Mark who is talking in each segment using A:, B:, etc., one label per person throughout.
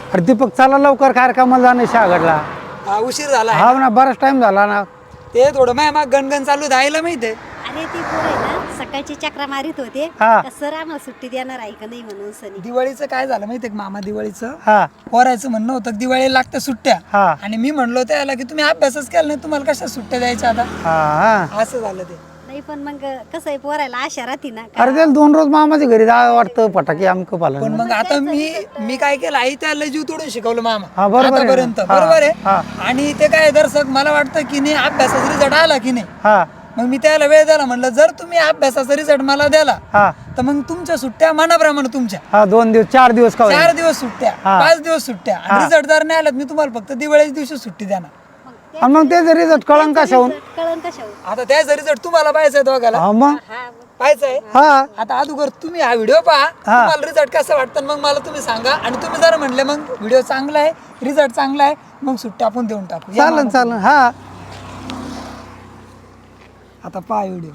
A: अरे दीपक चला लवकर कार्यक्रमाला जाणे शहागडला.
B: उशीर झाला
A: हा ना बराच टाइम झाला ना.
B: ते थोडं मग गणगण चालू द्यायला माहितीये.
C: अरे ती पोरं आहे ना सकाळची चक्रा मारित होते
A: हा.
C: सर आम्हाला सुट्टी देणार आहे का नाही म्हणून सनी.
B: दिवाळीचं काय झालं माहितीये का मामा, दिवाळीचं
A: हा
B: पोरायचं म्हणणं होतं की दिवाळीला लागतं सुट्ट्या.
A: हा.
B: आणि मी म्हणलो त्याला की तुम्ही अभ्यासच केला नाही, तुम्हाला कशा सुट्ट्या द्यायच्या आता.
A: हा.
B: असं झालं ते.
C: नाही पण मग कसं आहे पोरायला आशा राहते ना.
A: अरे त्याला 2 रोज मामाच्या घरी जावं वाटतं फटाके आमकं
B: पण
A: पालन.
B: मग आता मी काय केलं, आई त्याला जीव तोडून शिकवलं
A: हा,
B: मामा
A: बरोबर आहे ना.
B: आतापर्यंत.
A: हा,
B: बरोबर
A: हा.
B: आहे. आणि ते काय दर्शक मला वाटतं की नाही अभ्यासाचा रिझल्ट आला की नाही,
A: हा
B: मग मी त्याला वेळ द्याला म्हणलं जर तुम्ही अभ्यासाचा रिझल्ट मला द्याला
A: हा
B: तर मग तुमच्या सुट्ट्या मनाप्रमाणे तुमच्या
A: हा 2 दिवस 4 दिवस का होईना.
B: 4 दिवस सुट्ट्या,
A: हा.
B: 5 दिवस सुट्ट्या. रिझल्ट जर नाही आलात मी तुम्हाला फक्त दिवाळीच्या दिवशी सुट्टी देणार.
A: आणि मग त्याचा रिझल्ट कळंन कशाहून.
C: कळण कशावर.
B: आता त्याचा रिझल्ट तुम्हाला पाहायचा आहे दोघाला,
A: हा मग
B: पाहायचा आहे.
A: हा
B: आता अगोदर तुम्ही हा व्हिडिओ पहा, तुम्हाला रिझल्ट कसा वाटतं मग मला तुम्ही सांगा. आणि तुम्ही जर म्हणले मग व्हिडिओ चांगला आहे, रिझल्ट चांगला आहे, मग सुट्ट्या आपण देऊन टाकू. या
A: चालन
B: मामा.
A: चालन. हा
B: आता पहा व्हिडिओ.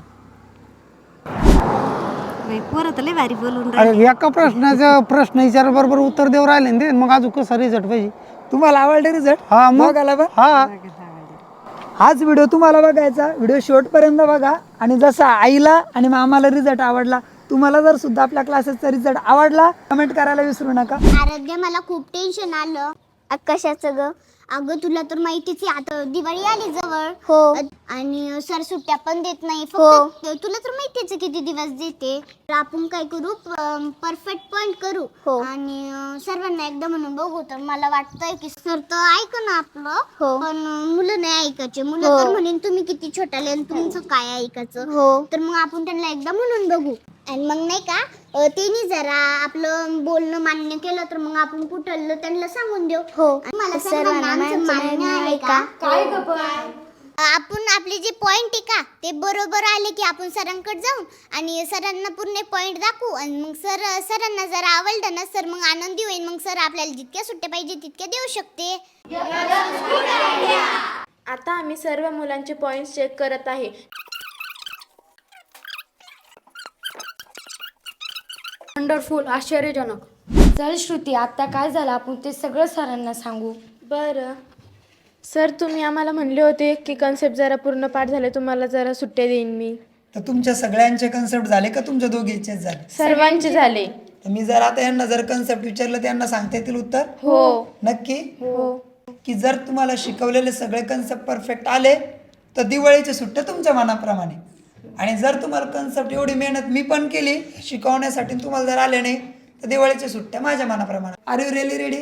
C: पोरं तर लय भारी बोलून
A: अरे
C: राहिले.
A: एका प्रश्न विचार बरोबर उत्तर देऊ राहिले ना ते, मग अजून कसा रिझल्ट पाहिजे.
B: तुम्हाला आवडले रिझल्ट?
A: हा मग
B: बघायला बघ.
A: हा
B: हाच व्हिडिओ तुम्हाला बघायचा, व्हिडिओ शेवटपर्यंत बघा. आणि जसा आईला आणि मामाला रिझल्ट आवडला, तुम्हाला जर सुद्धा आपल्या क्लासेसचा रिझल्ट आवडला कमेंट करायला विसरू नका.
D: आराध्या मला खूप टेन्शन आलं. कशाचं ग? अगं तुला तर माहितीच आहे आता दिवाळी आली जवळ. हो. आणि सर सुट्ट्या पण देत नाही. फक्त तुला तर माहितीच आहे किती दिवस देते. तर आपण काय करू, परफेक्ट पॉइंट करू. आणि सर्वांना एकदा म्हणून बघू. तर मला वाटतंय की सर तर ऐक ना आपलं, पण मुलं नाही ऐकायचे. मुलं तर म्हणेन तुम्ही किती छोटाले आणि तुमचं काय ऐकायचं. तर मग आपण त्यांना एकदा म्हणून बघू. आणि मग नाही का त्यांनी जरा आपलं बोलणं मान्य केलं तर मग आपण कुठलं त्यांना सांगून देऊ. मला सर्वांना आमचं मान्य आहे का? काय आपण आपले जे पॉइंट आहे का ते बरोबर आले की आपण सरांकडे जाऊन आणि सरांना पूर्ण पॉइंट दाखवू. आणि मग सरांना जर आवडलं ना सर मग आनंदी होईल. मग सर आपल्याला जितक्या सुट्ट्या पाहिजे तितक्या देऊ शकते.
E: आता आम्ही सर्व मुलांचे पॉइंट्स चेक करत आहे.
F: वंडरफुल, आश्चर्यजनक. चल श्रुती, आता काय झालं आपण ते सगळं सरांना सांगू.
E: बरं सर, तुम्ही आम्हाला म्हणले होते की कन्सेप्ट जरा पूर्ण पाठ झाले तुम्हाला जरा सुट्ट्या देईन मी.
B: तर तुमच्या सगळ्यांचे कन्सेप्ट झाले का तुमच्या दोघीचेच झाले?
E: सर्वांचे झाले.
B: तर मी जर आता यांना जर कन्सेप्ट विचारलं त्यांना सांगता येतील उत्तर?
E: हो.
B: नक्की?
E: हो.
B: की जर तुम्हाला शिकवलेले सगळे कन्सेप्ट परफेक्ट आले तर दिवाळीच्या सुट्ट्या तुमच्या मनाप्रमाणे. आणि जर तुम्हाला कन्सेप्ट एवढी मेहनत मी पण केली शिकवण्यासाठी तुम्हाला जर आले नाही तर दिवाळीच्या सुट्ट्या माझ्या मनाप्रमाणे. Are you really ready?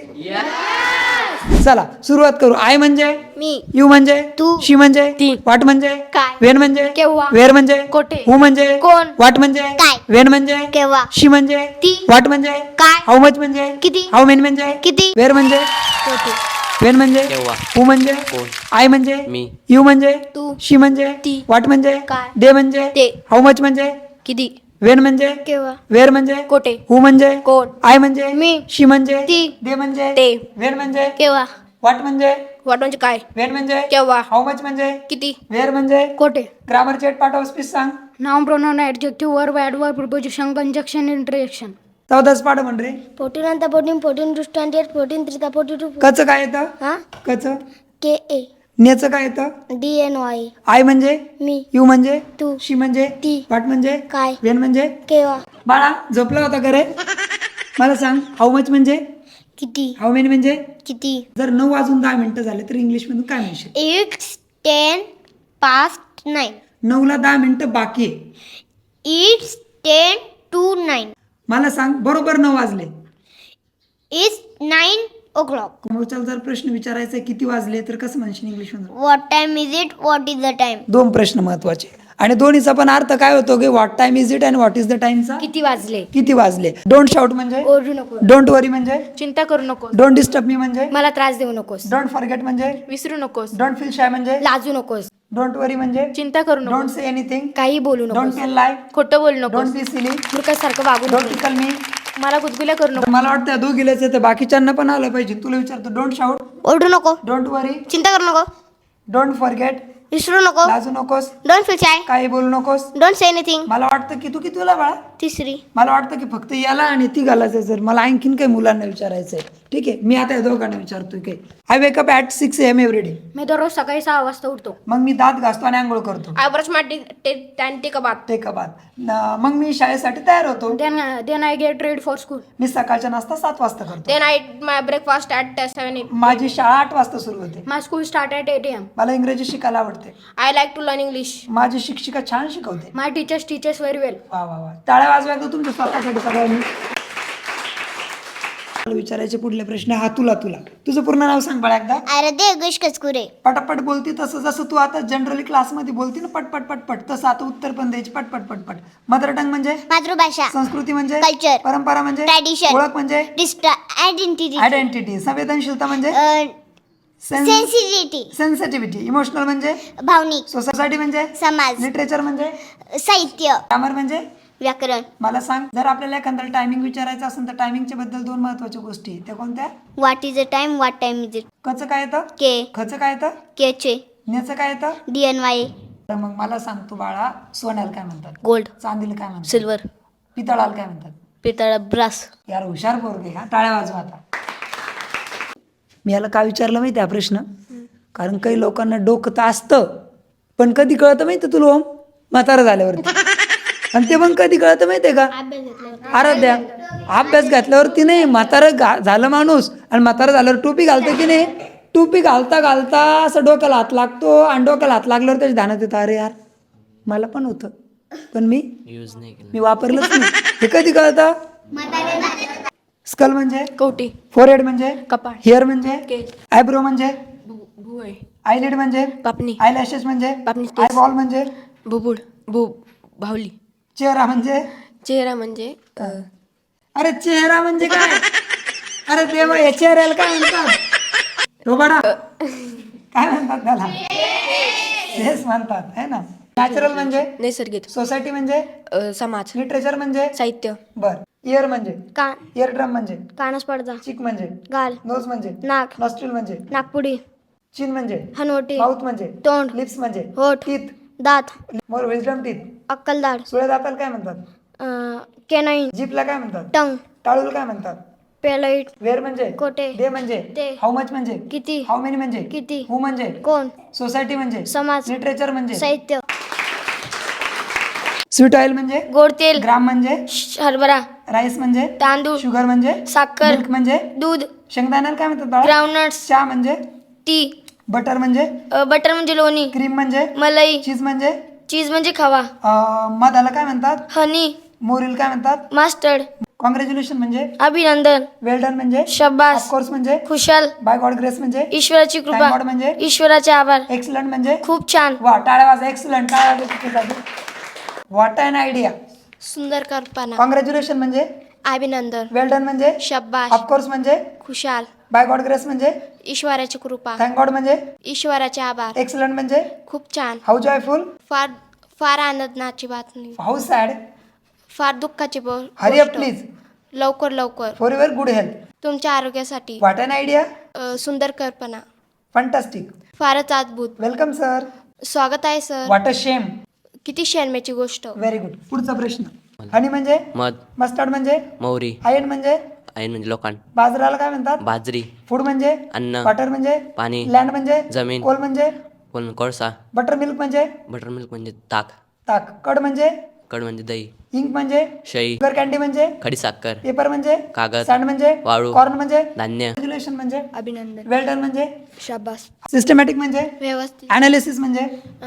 B: चला सुरुवात करू. आय म्हणजे
D: मी,
B: यू म्हणजे
D: तू,
B: शी म्हणजे
F: ती,
B: वाट म्हणजे
D: काय,
B: वेन म्हणजे
D: केव्हा,
B: वेर म्हणजे
F: कोठे,
B: हू म्हणजे
D: कोण,
B: वाट म्हणजे
D: काय,
B: वेन म्हणजे
D: केव्हा,
B: शी म्हणजे
D: ती,
B: वाट म्हणजे
D: काय,
B: हाऊ मच म्हणजे
D: किती,
B: हाऊ मेनी म्हणजे
D: किती,
B: वेर म्हणजे
D: कोठे,
B: वेन म्हणजे हू म्हणजे आय म्हणजे यू म्हणजे
D: तू,
B: शी म्हणजे
D: ती,
B: वाट म्हणजे
D: काय,
B: डे म्हणजे
D: ते,
B: हाऊ मच म्हणजे
D: किती,
B: वेन म्हणजे
D: केव्हा,
B: वेर म्हणजे
D: कोठे,
B: हू म्हणजे
D: कोण,
B: आय म्हणजे
D: मी,
B: शी म्हणजे
D: ती,
B: डे म्हणजे
D: ते,
B: वेन म्हणजे
D: केव्हा,
B: वाट म्हणजे
D: वाट म्हणजे काय,
B: वेन म्हणजे
D: केव्हा,
B: हाऊ मच म्हणजे
D: किती,
B: वेर म्हणजे
F: कोठे.
B: Grammar chart part of speech सांग.
F: Noun, pronoun, adjective, verb, adverb, preposition, conjunction, interjection.
B: 14 पाठ म्हण रे.
D: 14 14 14 to 28 14 3 42
B: कच काय येतं?
D: हा
B: कच.
D: के ए
B: नेचं काय येतं?
D: D N Y.
B: आय म्हणजे
D: मी,
B: यू म्हणजे
D: तू,
B: शी म्हणजे
D: ती,
B: वाट म्हणजे
D: काय,
B: वेन म्हणजे
D: केव्हा,
B: बाळा झोपला होता का रे? मला सांग हाऊ मच म्हणजे
D: किती,
B: हाऊ मेनी म्हणजे
D: किती,
B: जर 9 वाजून 10 मिनिटं झाले तर इंग्लिश मधून काय म्हणशील?
D: 8 10 past 9.
B: 9 ला 10 मिनिटं बाकी आहे.
D: It's 10 to 9.
B: मला सांग बरोबर 9 वाजले.
D: It's 9 o'clock.
B: मग चल जर प्रश्न विचारायचा आहे, किती वाजले तर कसं म्हणशील इंग्लिश मधून?
D: What time is it? What is the time?
B: 2 प्रश्न महत्वाचे आणि दोन्हीचा पण अर्थ काय होतो की what time is it and what is the टाइमचा
F: किती वाजले.
B: किती वाजले. डोंट शाउट म्हणजे
F: ओरडू नको,
B: डोंट वरी म्हणजे
E: चिंता करू नकोस.
B: डोंट डिस्टर्ब मी म्हणजे
F: मला त्रास देऊ नकोस,
B: डोंट फॉरगेट म्हणजे
E: विसरू नकोस.
B: डोंट फील शाय म्हणजे
F: लाजू नकोस,
B: डोंट वरी म्हणजे
E: चिंता करू
B: डोंट
E: नकोस.
B: से एनीथिंग,
F: काही बोलू
B: डोंट
F: नकोस,
B: टेल लाय,
E: खोटं बोलू
B: डोंट
E: नकोस.
B: बी सिली,
F: मूर्खासारखं वागू
B: डोंट
F: नको.
B: टिकल मी.
E: मला गुदगुल्या करू नको.
B: मला वाटतं दोघीलाच येतं, बाकीच्यांना पण आलं पाहिजे. तुला विचारतो. डोंट शाउट,
D: ओरडू नको,
B: डोंट वरी,
D: चिंता करू नको,
B: डोंट फॉरगेट,
D: विसरू नको,
B: लाजू नकोस,
D: डोंट फील शाय,
B: काही बोलू नकोस.
D: Don't say anything.
B: मला वाटतं की तू कितीला बाळा?
D: तिसरी.
B: मला वाटतं की फक्त याला आणि ती घालायचं. जर मला आणखीन काही मुलांना विचारायचंय ठीक आहे. मी आता या दोघांना विचारतोय की I wake up at 6 AM every day.
F: मी दररोज सकाळी 6 वाजता उठतो.
B: मग मी दात घासतो आणि आंघोळ करतो.
F: I brush my take a bath.
B: Take a bath. मग मी शाळेसाठी तयार होतो.
F: Then I get ready for school.
B: मी सकाळचा नाश्ता 7 वाजता करतो.
F: Then I eat my breakfast at 7
B: माझी शाळा 8 वाजता सुरू होते.
F: My school start at 8 AM.
B: मला इंग्रजी शिकायला आवडते.
F: I like to learn English.
B: माझी शिक्षिका छान शिकवते.
F: My teachers very well.
B: वा वा वा, टाळ्या वाजवा एकदा तुमच्या स्वतःसाठी सगळ्यांनी. मला विचारायचे पुढले प्रश्न. हा तुला तुझं पूर्ण नाव सांग बाळा एकदा.
D: आराध्य योगेश कचकुरे.
B: पटापट बोलती तसं, जसं तू आता जनरली क्लासमध्ये बोलती ना पटपट पटपट, तसं आता उत्तर पण द्यायची पटपट पटपट. मदर टंग म्हणजे
D: मातृभाषा.
B: संस्कृती म्हणजे
D: Culture.
B: परंपरा म्हणजे
D: Tradition.
B: ओळख म्हणजे
D: आयडेंटिटी.
B: आयडेंटिटी. संवेदनशीलता म्हणजे
D: सेन्सिटिव्हिटी.
B: सेन्सिटिव्हिटी. इमोशनल म्हणजे
D: भावनिक.
B: सोसायटी म्हणजे
D: समाज.
B: लिटरेचर म्हणजे
D: साहित्य.
B: ग्रामर म्हणजे
D: व्याकरण.
B: मला सांग, जर आपल्याला एखादा टायमिंग विचारायचं असेल तर टायमिंगच्या बद्दल 2 महत्वाच्या गोष्टी त्या कोणत्या?
D: What is a time, what time is it.
B: कचं काय येतं?
D: के.
B: खचं काय येतं?
D: केचे.
B: न्याचं काय येतं?
D: DNY.
B: तर मग मला सांग तू बाळा, सोन्याला काय म्हणतात?
G: गोल्ड.
B: चांदीला काय म्हणतात?
G: सिल्वर.
B: पितळाला काय म्हणतात?
G: पितळ. ब्रास.
B: यार हुशार पोरगे हा, टाळ्या वाजवा आता. मी याला का विचारलं माहिती हा प्रश्न? कारण काही लोकांना डोकं तर असतं, पण कधी कळतं माहिती तुला ओम? म्हातारा झाल्यावरती. आणि ते पण कधी कळतं माहितीये का? आराध्या, अभ्यास घातल्यावरती नाही. झालं माणूस आणि म्हातारा झाल्यावर टोपी घालतो की नाही, टोपी घालता घालता असं डोक्याला हात लागतो आणि डोक्याला हात लागल्यावर त्याच्या ध्यानात येतं, अरे यार मला पण होतं, पण मी वापरलंच नाही. हे कधी कळतं? स्कल म्हणजे
E: कवटी.
B: फोरहेड म्हणजे
E: कपाळ.
B: हेअर म्हणजे आयब्रो म्हणजे
E: भुवय.
B: आयलिड म्हणजे
E: पापणी.
B: आयलॅशेस म्हणजे
E: पापणी.
B: आयबॉल म्हणजे
E: भुबुड. भावली.
B: चेहरा म्हणजे
E: चेहरा म्हणजे
B: अरे चेहरा म्हणजे काय? अरे देवा, या चेहऱ्याला काय म्हणतात? रोबाडा काय म्हणतात त्याला? हेच म्हणतात है ना. नॅचरल म्हणजे
E: नैसर्गिक.
B: सोसायटी म्हणजे
E: समाज.
B: लिटरेचर म्हणजे
E: साहित्य.
B: बर. इयर म्हणजे
F: कान.
B: इयर ड्रम म्हणजे
F: कानस पडदा.
B: चिक म्हणजे
F: गाल.
B: नोज म्हणजे
F: नाक.
B: नॉस्ट्रिल म्हणजे
F: नागपुडी.
B: चिन म्हणजे
F: हनवटी.
B: माउथ म्हणजे
F: तोंड.
B: लिप्स म्हणजे
F: होठ.
B: टीथ.
F: दात.
B: More wisdom teeth.
F: अक्कलदाड.
B: सुळे दाताला काय म्हणतात?
F: केनाईन.
B: जीपला काय म्हणतात?
F: टंग.
B: टाळूला काय म्हणतात?
F: पेलाईट.
B: वेअर म्हणजे
F: कोटे.
B: डे म्हणजे
F: ते.
B: हाऊ मच म्हणजे
F: किती.
B: हाऊ मेनी म्हणजे
F: किती.
B: हू म्हणजे
F: कोण.
B: सोसायटी म्हणजे
F: समाज.
B: लिटरेचर म्हणजे
F: साहित्य.
B: स्वीट ऑइल म्हणजे
F: गोड तेल.
B: ग्राम म्हणजे
F: हरभरा.
B: राईस म्हणजे
F: तांदूळ.
B: शुगर म्हणजे
F: साखर.
B: मिल्क म्हणजे
F: दूध.
B: शेंगदाण्याला काय म्हणतात बाळा?
F: ग्राउंडनट्स.
B: चहा म्हणजे
F: टी.
B: बटर म्हणजे
F: बटर म्हणजे लोणी.
B: क्रीम म्हणजे
F: मलाई.
B: चीज म्हणजे
F: चीज म्हणजे खवा.
B: मधाला काय म्हणतात?
F: हनी.
B: मोरील काय म्हणतात?
F: मास्टर्ड.
B: कॉंग्रॅच्युलेशन म्हणजे
F: अभिनंदन.
B: वेल डन म्हणजे
F: शब्बास.
B: ऑफकोर्स म्हणजे
F: खुशाल.
B: बाय गॉड ग्रेस म्हणजे
F: ईश्वराची
B: Thank
F: कृपा.
B: God म्हणजे
F: ईश्वराचे आभार.
B: एक्सलंट म्हणजे
F: खूप छान.
B: वा, टाळ्या वाजा. एक्सलंट. टाळ्या वाजा तिच्यासाठी. What an idea.
E: सुंदर कल्पना.
B: कॉंग्रॅच्युलेशन म्हणजे
E: अभिनंदन.
B: वेल डन म्हणजे
E: शब्बाश.
B: ऑफकोर्स म्हणजे
E: खुशाल.
B: बाय गॉड ग्रेस म्हणजे
E: ईश्वराची कृपा.
B: थँक गॉड म्हणजे
E: ईश्वराचे आभार.
B: एक्सलंट म्हणजे
E: खूप छान.
B: How joyful.
E: फार आनंदाची बातमी.
B: How sad.
E: फार दुःखाची
B: हरी अप प्लीज.
E: लवकर
B: फॉर युअर गुड हेल्थ.
E: तुमच्या आरोग्यासाठी.
B: What an idea.
E: सुंदर कल्पना.
B: फंटास्टिक.
E: फारच अद्भुत.
B: Welcome sir.
E: स्वागत आहे सर.
B: What a shame.
E: किती शर्मेची गोष्ट.
B: Very good. पुढचा प्रश्न. हनी म्हणजे
H: मध.
B: मस्टर्ड म्हणजे
H: मोहरी.
B: आयन म्हणजे
H: आयन म्हणजे लोखंड.
B: बाजराला काय म्हणतात?
H: बाजरी.
B: फूड म्हणजे
H: अन्न.
B: वॉटर म्हणजे
H: पाणी.
B: लँड म्हणजे
H: जमीन.
B: कोल म्हणजे
H: कोळसा.
B: बटर मिल्क म्हणजे
H: बटर मिल्क म्हणजे ताक.
B: ताक. कड म्हणजे
H: कड म्हणजे दही.
B: इंक म्हणजे
H: शई.
B: शुगर कॅन्डी म्हणजे
H: खडीसाखर.
B: पेपर म्हणजे
H: कागद.
B: सँड म्हणजे
H: वाळू.
B: कॉर्न म्हणजे
H: धान्य.
B: कॉंग्रॅच्युलेशन म्हणजे
E: अभिनंदन.
B: वेल डन म्हणजे
E: शाबास.
B: सिस्टमॅटिक म्हणजे
E: व्यवस्थित.
B: अनालिसिस म्हणजे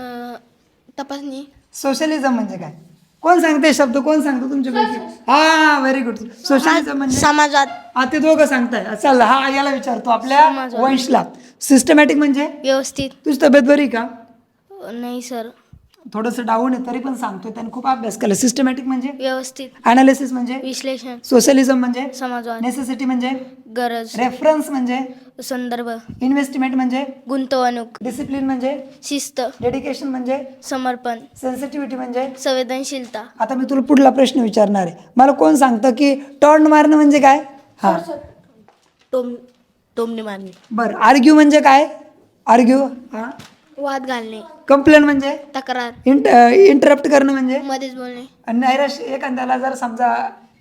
E: तपासणी.
B: सोशलिझम म्हणजे काय? कोण सांगते शब्द? कोण सांगतो तुमच्यापैकी? हा, व्हेरी गुड. सोशलिझम म्हणजे
F: समाजात.
B: हा, ते दोघं सांगताय. चल, हा याला विचारतो आपल्या वंशला. सिस्टमॅटिक म्हणजे
F: व्यवस्थित.
B: तुझी तब्येत बरी का?
F: नाही सर.
B: थोडंसं डाऊन आहे तरी पण सांगतोय, त्याने खूप अभ्यास केला. सिस्टमॅटिक म्हणजे
F: व्यवस्थित.
B: अनालिसिस म्हणजे
F: विश्लेषण.
B: सोशलिझम म्हणजे
F: समाजात.
B: नेसेसिटी म्हणजे
F: गरज.
B: रेफरन्स म्हणजे
F: संदर्भ.
B: इन्व्हेस्टमेंट म्हणजे
F: गुंतवणूक.
B: डिसिप्लिन म्हणजे
F: शिस्त.
B: डेडिकेशन म्हणजे
F: समर्पण.
B: सेन्सिटिव्हिटी म्हणजे
F: संवेदनशीलता.
B: आता मी तुला पुढला प्रश्न विचारणार आहे. मला कोण सांगतं की टॉर्न मारणं म्हणजे काय? हा,
G: टोमणी मारणी.
B: बरं. आर्ग्यू म्हणजे काय? आर्ग्यू. हा.
F: वाद घालणे.
B: कंप्लेंट म्हणजे
F: तक्रार.
B: इंटरप्ट करणं म्हणजे
F: मध्येच बोलणे.
B: आणि नैराश्य. एखाद्याला जर समजा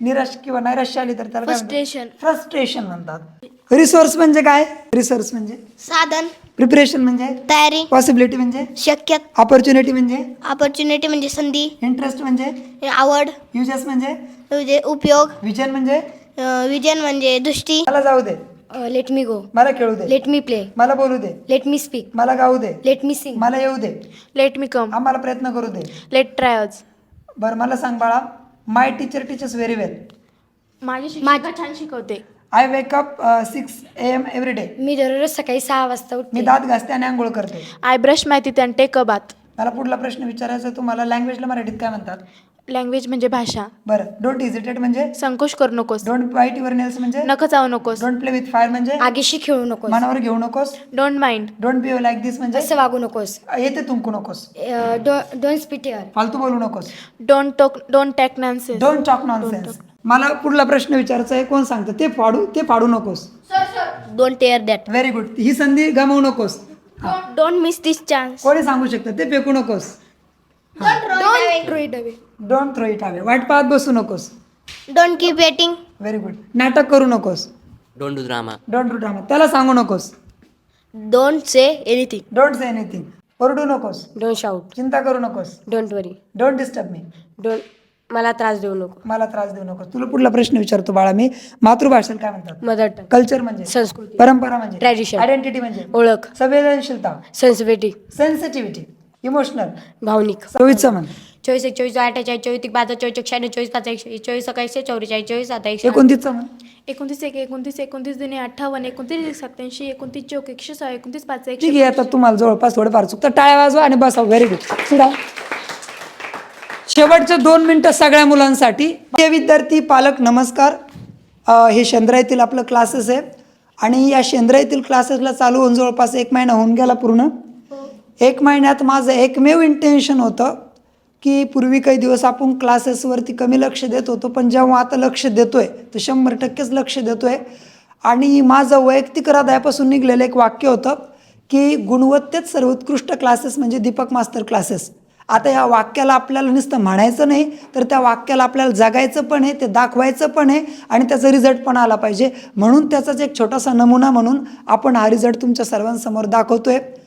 B: निराश किंवा नैराश्य आली तर त्याला
F: Frustration.
B: फ्रस्ट्रेशन म्हणतात. रिसोर्स म्हणजे काय? रिसोर्स म्हणजे
D: साधन,
B: प्रिपरेशन म्हणजे
D: तयारी,
B: पॉसिबिलिटी म्हणजे
D: शक्यता,
B: ऑपॉर्च्युनिटी म्हणजे
D: ऑपॉर्च्युनिटी म्हणजे संधी,
B: इंटरेस्ट म्हणजे
D: आवड,
B: युजेस म्हणजे
D: म्हणजे उपयोग,
B: विजन म्हणजे
D: विजन म्हणजे दृष्टी.
B: मला जाऊ दे,
F: लेट मी गो,
B: मला खेळू दे,
F: लेट मी प्ले,
B: मला बोलू दे,
F: लेट मी स्पीक,
B: मला गाऊ दे,
F: लेट मी सिंग,
B: मला येऊ दे,
E: लेट मी कम,
B: आम्हाला प्रयत्न करू दे.
E: Late trials.
B: बरं मला सांग बाळा, my teacher teachers very well.
E: माझी शिक्षिका छान शिकवते.
B: I wake up 6 AM every day.
F: मी दररोज सकाळी 6 वाजता
B: मी
F: उठते.
B: दात घासते आणि आंघोळ करते.
E: I brush my teeth and take a bath.
B: मला पुढला प्रश्न विचारायचा आहे तुम्हाला. लँग्वेजला मराठीत काय म्हणतात?
E: लँग्वेज म्हणजे भाषा.
B: बरं, डोंट इजिटेट म्हणजे?
E: संकोच करू नकोस.
B: डोंट बाईट युअर नेल्स म्हणजे?
E: नख चावू नकोस.
B: डोंट प्ले विथ फायर म्हणजे?
F: आगीशी खेळू नकोस,
B: मनावर घेऊ नकोस.
E: Don't mind.
B: Don't behave like this म्हणजे?
F: असं वागू नकोस,
B: येते तुमकू नकोस.
F: डोंट स्पीट हिअर,
B: फालतू बोलू नकोस.
E: Don't talk nonsense.
B: Don't talk nonsense. मला पुढला प्रश्न विचारायचा आहे. कोण सांगतं? ते फाडू नकोस.
F: Don't tear that,
B: very good. ही संधी गमावू नकोस.
F: डोंट मिस दिस चान्स,
B: कोणी सांगू शकतं? ते फेकू नकोस.
F: Don't throw it away,
B: don't throw it away. वाट पाहत बसू नकोस.
D: Don't keep waiting,
B: very good. नाटक करू नकोस.
H: Don't do drama.
B: Don't do drama. त्याला सांगू नकोस.
F: Don't say anything,
B: don't say anything. ओरडू नकोस.
F: डोंट शाउट,
B: चिंता करू नकोस.
F: Don't worry,
B: don't disturb me.
F: Don't मला त्रास देऊ नको.
B: मला त्रास देऊ नकोस. तुला पुढला प्रश्न विचारतो बाळा मी. मातृभाषेला काय म्हणतात?
F: मदर टंग,
B: कल्चर म्हणजे?
F: संस्कृती,
B: परंपरा म्हणजे?
F: Tradition.
B: आयडेंटिटी म्हणजे?
F: ओळख,
B: संवेदनशीलता,
F: सेन्सिटिव्हिटी,
B: सेन्सिटिव्हिटी, इमोशनल.
F: भावनिक.
B: 24 म्हण.
F: 24 1 24 48 24 5 24 96 24 5 24 21 44 24 27
B: 29 म्हण.
E: 29 1 29 29 दुने 58 29 87 29 चौक 106 29 5
B: ठीक आहे. आता तुम्हाला जवळपास थोडंफार चुकतं. टाळ्या वाजवा आणि बसा. Very good. पुढा. शेवटचे 2 मिनिटं सगळ्या मुलांसाठी. ते विद्यार्थी पालक नमस्कार. हे शेंद्रा येथील आपलं क्लासेस आहे आणि या शेंद्रा येथील क्लासेसला चालू होऊन जवळपास 1 महिना होऊन गेला पूर्ण. 1 महिन्यात माझं एकमेव इंटेन्शन होतं की पूर्वी काही दिवस आपण क्लासेसवरती कमी लक्ष देत होतो, पण जेव्हा आता लक्ष देतोय तर 100% लक्ष देतोय. आणि माझं वैयक्तिक हृदयापासून निघलेलं एक वाक्य होतं की गुणवत्तेत सर्वोत्कृष्ट क्लासेस म्हणजे दीपक मास्टर क्लासेस. आता या वाक्याला आपल्याला नुसतं म्हणायचं नाही, तर त्या वाक्याला आपल्याला जगायचं पण आहे, ते दाखवायचं पण आहे आणि त्याचा रिझल्ट पण आला पाहिजे. म्हणून त्याचाच एक छोटासा नमुना म्हणून आपण हा रिझल्ट तुमच्या सर्वांसमोर दाखवतोय.